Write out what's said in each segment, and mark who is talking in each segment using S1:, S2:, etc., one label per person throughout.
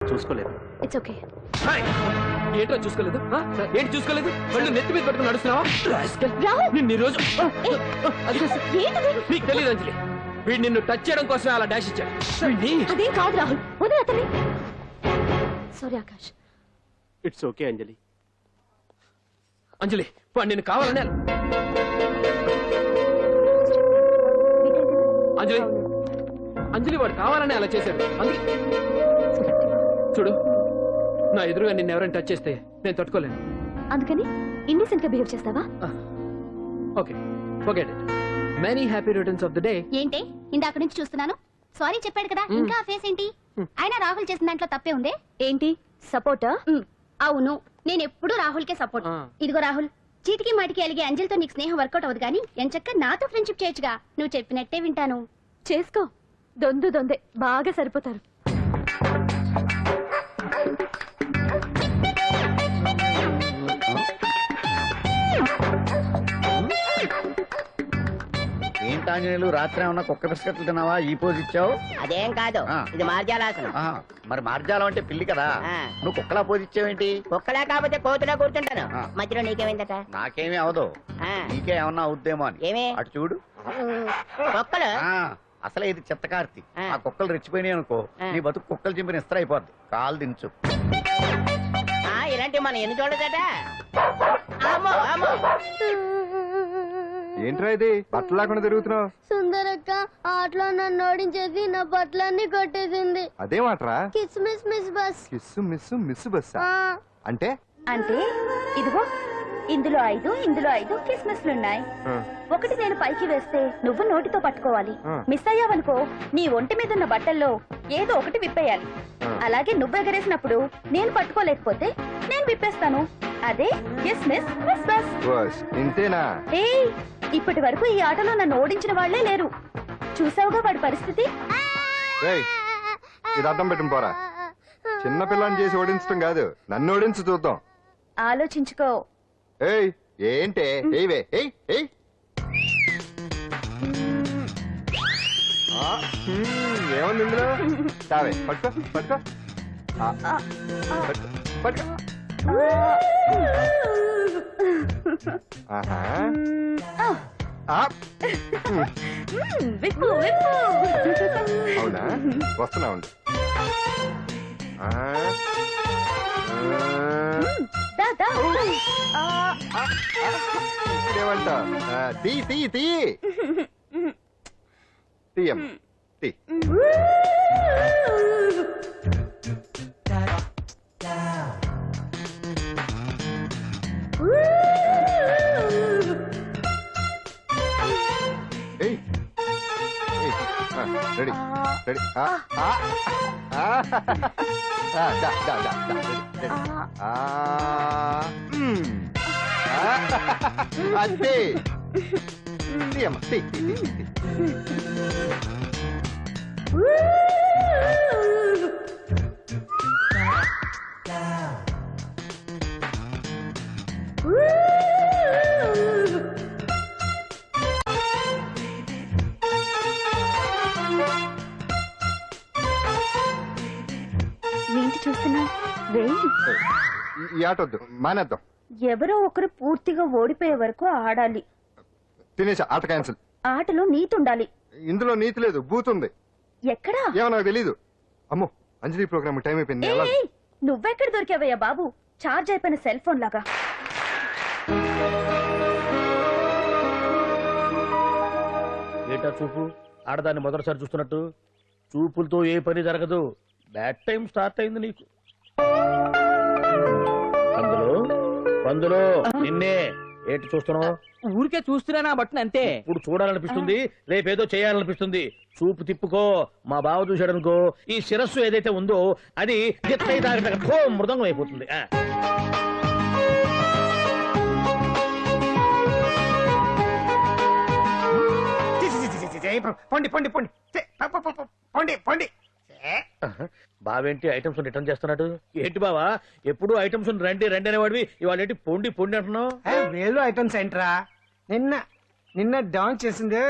S1: చూసుకోలేదు.
S2: It's okay.
S1: ఏంటో చూసుకోలేదు? ఏంటి చూసుకోలేదు? వాళ్ళు నెత్తి మీద పట్టుకుని నడుస్తున్నావా? నిన్ను ఈ రోజు నీకు తెలియదు అంజలి, వీడు నిన్ను టచ్ చేయడం కోసం అలా డాష్ ఇచ్చాడు.
S2: అదేం కాదు రాహుల్, వదిలే అతన్ని. Sorry Akash.
S1: It's okay Anjali. Anjali వాడు నిన్ను కావాలనే అంజలి అంజలి వాడు కావాలనే అలా చేశాడు. అందుకే చూడు, నా ఎదురుగా నిన్ను ఎవరైనా టచ్ చేస్తే నేను తట్టుకోలేను.
S2: అందుకని ఇండిసెంట్ గా బిహేవ్ చేస్తావా?
S1: Okay okay. Many happy returns of the day.
S3: ఏంటి ఇందాక నుంచి చూస్తున్నాను? సారీ చెప్పాడు కదా, ఇంకా ఆ ఫేస్ ఏంటి? అయినా రాహుల్ చేసిన దాంట్లో తప్పే ఉంది.
S2: ఏంటి సపోర్టా?
S3: అవును, నేను ఎప్పుడు రాహుల్ కే సపోర్ట్. ఇదిగో రాహుల్, చీటికి మాటికి అలిగే అంజలితో నీకు స్నేహం వర్కౌట్ అవ్వదు కానీ ఎంచక్క నాతో ఫ్రెండ్షిప్ చేయొచ్చుగా. నువ్వు చెప్పినట్టే వింటాను.
S2: చేసుకో, దొందే బాగా సరిపోతారు.
S4: ఏంటాంజనేయులు, రాత్రి ఏమన్నా కుక్క బిస్కెట్లు తిన్నావా? ఈ పోజ్ ఇచ్చావు.
S5: అదేం కాదు, ఇది మార్జాలాసనం.
S4: మరి మార్జాలం అంటే పిల్లి కదా, నువ్వు కుక్కలా పోజ్ ఇచ్చావేంటి?
S5: కుక్కలా కాకపోతే కోతులా కూర్చుంటాను. మధ్యలో నీకేమైందట?
S4: నాకేమీ అవదు, నీకే ఏమన్నా అవుద్దేమో అని.
S5: ఏమి?
S4: అటు చూడు.
S5: కుక్కలు
S4: అసలే ఇది చిత్తకార్తి. ఆ కుక్కలు రెచ్చిపోయినాయి అనుకో, నీ బతుకు కుక్కలు చింపిన ఇస్త్ర అయిపోద్ది. కాలు దించు.
S5: ఇలాంటివి మనం ఎన్ని చూడదట.
S6: ఏంట్రా ఇది బట్టలు లేకుండా తిరుగుతున్నావు?
S7: సుందరక్క ఆటలో నన్ను ఓడించేసి నా బట్టలన్నీ కొట్టేసింది.
S6: అదేమాట్రా?
S7: Kiss miss miss bus.
S6: Kiss miss miss bus అంటే?
S2: అంటే ఇదిగో ఇందులో 5 కిస్మిస్లున్నాయి. ఒకటి నేను పైకి వేస్తే నువ్వు నోటితో పట్టుకోవాలి. మిస్ అయ్యావనుకో నీ ఒంటి మీద ఉన్న బట్టల్లో ఏదో ఒకటి విప్పేయాలి. అలాగే నువ్వు ఎగరేసినప్పుడు నేను పట్టుకోలేకపోతే నేను విప్పేస్తాను. అదే కిస్మిస్ మిస్ బస్.
S6: ఇంతేనా?
S2: ఇప్పటి వరకు ఈ ఆటలో నన్ను ఓడించిన వాళ్లే లేరు. చూసావుగా వాడి పరిస్థితి.
S6: ఇది అర్థం పెట్టుకుని పోరా. చిన్న పిల్లని చేసి ఓడించడం కాదు, నన్ను ఓడించి చూద్దాం.
S2: ఆలోచించుకో.
S6: ఏంటే? ఏముంది ఇందులో? తావే పట్టుకో పట్టుకో పట్టుకో. అవునా? వస్తున్నా ఉండు. ఇదేమంటా? తీయం తీ. Ready ready. అంతే. తీయమ్మా తీ.
S2: ఏంటి చూస్తున్నా?
S6: ఈ ఆట వద్దు, మానేద్దాం.
S2: ఎవరో ఒకరు పూర్తిగా ఓడిపోయే వరకు ఆడాలి.
S6: తినేసా, ఆట క్యాన్సిల్.
S2: ఆటలో నీతి ఉండాలి.
S6: ఇందులో నీతి లేదు, బూతుంది.
S2: ఎక్కడా?
S6: ఏమో నాకు తెలీదు. అమ్మో, అంజలి ప్రోగ్రామ్ టైం అయిపోయింది.
S2: నువ్వెక్కడ దొరికావయ్యా బాబు? చార్జ్ అయిపోయిన సెల్ ఫోన్ లాగా.
S8: ఏటా చూపు? ఆడదాన్ని మొదటిసారి చూస్తున్నట్టు. చూపులతో ఏ పని జరగదు. బ్యాడ్ టైం స్టార్ట్ అయింది నీకు. పందులో నిన్నే. ఏంటి చూస్తున్నావు?
S1: ఊరికే చూస్తున్నానా బట్టను అంతే.
S8: ఇప్పుడు చూడాలనిపిస్తుంది, రేపేదో చేయాలనిపిస్తుంది. చూపు తిప్పుకో. మా బావ చూశాడనుకో, ఈ శిరస్సు ఏదైతే ఉందో అది మృదంగం అయిపోతుంది. బావేంటి ఐటమ్స్ రిటర్న్ చేస్తున్నాడు? ఏంటి బావా, ఎప్పుడు ఐటమ్స్ రండి రండి అనేవాడివి, ఇవాళ ఏంటి పొండి పొండి అంటున్నావు?
S9: వేలు ఐటమ్స్ ఏంట్రా? నిన్న డాన్స్ చేసిందే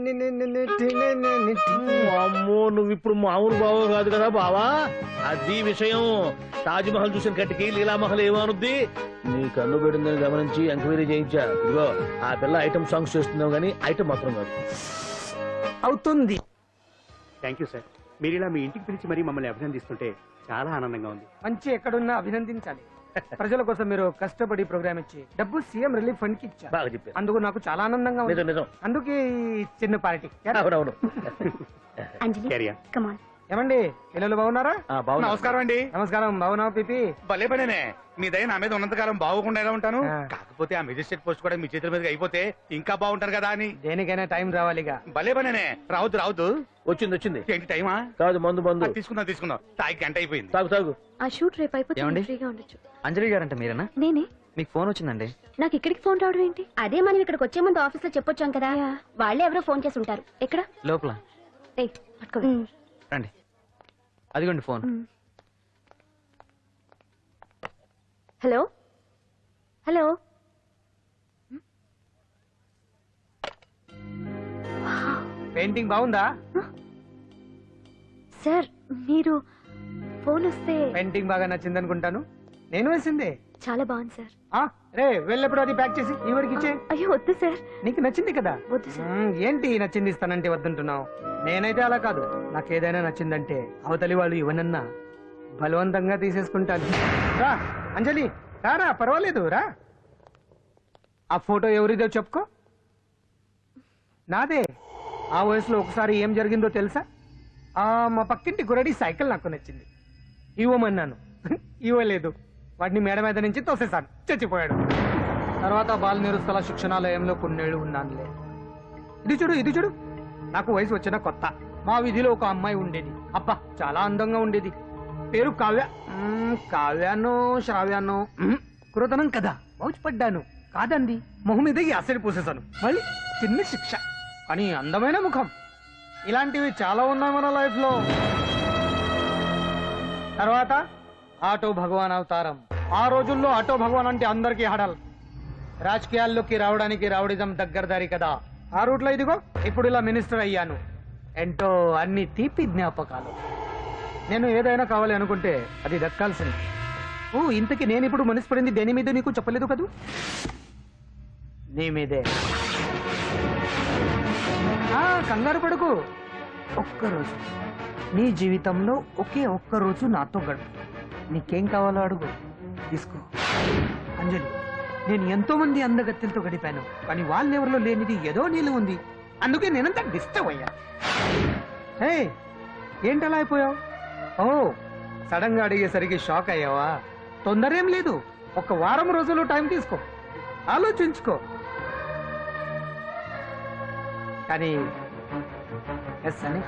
S8: అమ్మో నువ్వు ఇప్పుడు మామూలు బావ కాదు కదా బావా. అది విషయం. తాజ్ మహల్ చూసిన కట్టికి లీలామహల్ ఏమనుద్ది. నీ కన్ను పెట్టిందని గమనించి ఎంక్వైరీ చేయించా. ఇదిగో ఆ పిల్ల ఐటమ్ సాంగ్స్ చేస్తున్నావు కానీ ఐటమ్ మాత్రం కాదు.
S9: అవుతుంది.
S10: Thank you sir. మీరు ఇలా మీ ఇంటికి పిలిచి మరీ మమ్మల్ని అభినందిస్తుంటే చాలా ఆనందంగా ఉంది.
S9: మంచి ఎక్కడున్నా అభినందించాలి. ప్రజల కోసం మీరు కష్టపడి ప్రోగ్రామ్ ఇచ్చి డబ్బు సీఎం రిలీఫ్ ఫండ్ కి ఇచ్చారు.
S8: బాగా చెప్పారు.
S9: అందుకు నాకు చాలా ఆనందంగా ఉంది.
S8: నిజం నిజం.
S9: అందుకే ఈ చిన్న పార్టీ.
S8: అవునవును.
S3: అంజలి
S10: క్యారియర్.
S3: కమాన్.
S9: ఏమండి పిల్లలు బాగున్నారా?
S4: నమస్కారం అండి.
S9: నమస్కారం. బాగున్నావు పిపి?
S4: భలే పనేనే. మీ దయ నా మీద ఉన్నంతకాలం బాగుకుండా ఎలా ఉంటాను.
S9: ఆ.
S4: కాకపోతే ఆ మెజిస్ట్రేట్ పోస్ట్ కూడా మీ చేతుల మీద అయిపోతే ఇంకా బాగుంటారు కదా అని.
S9: దేనికైనా టైం రావాలిగా.
S4: భలే పనేనే. రావద్దు రావద్దు.
S8: వచ్చింది వచ్చింది.
S4: ఏంటి టైమా?
S8: కాదు మందు మందు.
S4: తీసుకుందాం తాగి గంట అయిపోయింది.
S8: తాగు తాగు.
S2: ఆ షూట్ రేపు అయిపోతే
S11: ఏమండి?
S2: ఫ్రీగా ఉండొచ్చు.
S11: అంజలి గారంట మీరేనా?
S2: నేనే.
S11: మీకు ఫోన్ వచ్చిందండి.
S2: నాకు ఇక్కడికి ఫోన్ రావడం ఏంటి?
S3: అదే మనం ఇక్కడికి వచ్చే ముందు ఆఫీస్ లో చెప్పొచ్చాం కదా, వాళ్ళే ఎవరో ఫోన్ చేసి ఉంటారు.
S2: ఎక్కడ?
S11: లోపల
S2: ఏయ్, పట్టుకో.
S11: రండి. అదిగోండి ఫోన్.
S2: Hello hello.
S9: పెయింటింగ్ బాగుందా?
S2: సార్ మీరు ఫోన్ వస్తే
S9: పెయింటింగ్ బాగా నచ్చింది అనుకుంటాను. నేను వేసిందే.
S2: చాలా బాగుంది సార్.
S9: రే వెళ్ళప్పుడు అది ప్యాక్ చేసి ఈ వరకు ఇచ్చే.
S2: అయ్యో వద్దు సార్.
S9: నీకు నచ్చింది కదా.
S2: వద్దు సార్.
S9: ఏంటి నచ్చింది ఇస్తానంటే వద్దంటున్నావు? నేనైతే అలా కాదు. నాకు ఏదైనా నచ్చిందంటే అవతలి వాళ్ళు ఇవ్వనన్నా బలవంతంగా తీసేసుకుంటాను. రా అంజలి రారా, పర్వాలేదు రా. ఆ ఫోటో ఎవరిదో చెప్పుకో. నాదే. ఆ వయసులో ఒకసారి ఏం జరిగిందో తెలుసా? మా పక్కింటి గురడి సైకిల్ నాకు నచ్చింది. ఇవ్వమన్నాను, ఇవ్వలేదు. వాడిని మేడ మీద నుంచి తోసేశాను, చచ్చిపోయాడు. తర్వాత బాల నిరుస్తల శిక్షణాలయంలో కొన్నేళ్లు ఉన్నానులే. ఇది చూడు నాకు వయసు వచ్చిన కొత్త. మా వీధిలో ఒక అమ్మాయి ఉండేది. అబ్బా చాలా అందంగా ఉండేది. పేరు కావ్య. కావ్యానో శ్రావ్యానో కురతనం కదా. మౌచిపడ్డాను. కాదండి, మొహం మీద యాసిడ్ పూసేశాను. మళ్ళీ చిన్న శిక్ష, కానీ అందమైన ముఖం. ఇలాంటివి చాలా ఉన్నాయి మన లైఫ్ లో. తర్వాత ఆటో భగవాన్ అవతారం. ఆ రోజుల్లో ఆటో భగవాన్ అంటే అందరికీ హడల్. రాజకీయాల్లోకి రావడానికి రౌడిజం దగ్గరదారి కదా. ఆ రూట్లో ఇదిగో ఇప్పుడు ఇలా మినిస్టర్ అయ్యాను. ఏంటో అన్ని తీపి జ్ఞాపకాలు. నేను ఏదైనా కావాలి అనుకుంటే అది దక్కాల్సింది. ఇంతకీ నేను ఇప్పుడు మనసు పడింది దేని మీద నీకు చెప్పలేదు కదూ? నీ మీదే. కంగారు పడుకు. ఒక్కరోజు నీ జీవితంలో ఒకే ఒక్కరోజు నాతో గడుపు. నీకేం కావాలో అడుగు, తీసుకో. అంజలి, నేను ఎంతో మంది అందగత్తెలతో గడిపాను, కానీ వాళ్ళెవరిలో లేనిది ఏదో నీళ్ళు ఉంది. అందుకే నేనంతా డిస్టర్బ్ అయ్యా. హే, ఏంటలా అయిపోయావు? సడన్ గా అడిగేసరికి షాక్ అయ్యావా? తొందరేం లేదు. ఒక వారం రోజులు టైం తీసుకో, ఆలోచించుకో. కానీ ఎస్ అని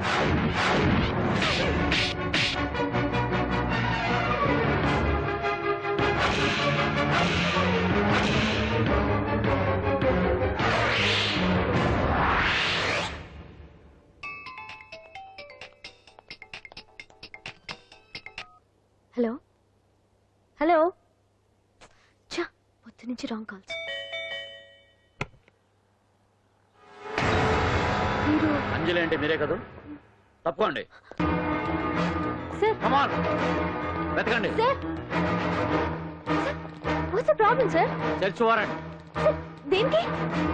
S2: హలో హలో. చా, పొద్దు నుంచి రాంగ్ కాల్స్. మీరు
S8: అంజలి అంటే మీరే కదా? తప్పకోండి.
S2: సార్
S8: వెతకండి.
S2: Sir, what's the problem sir?
S8: Search warrant.
S2: Sir, దేనికి?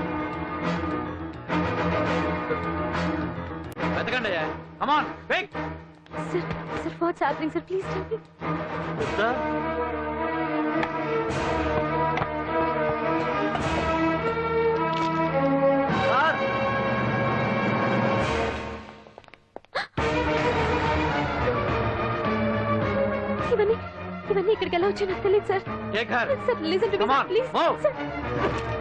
S8: వెతకండి. Come on quick.
S2: Sir sir, what's happening sir? Please tell me. ఇవన్నీ ఇక్కడికి ఎలా వచ్చాయి నాకు తెలియదు sir.
S8: Take her.
S2: Sir, listen to me,
S8: Come
S2: sir,
S8: on,
S2: please.
S8: move.
S2: Sir.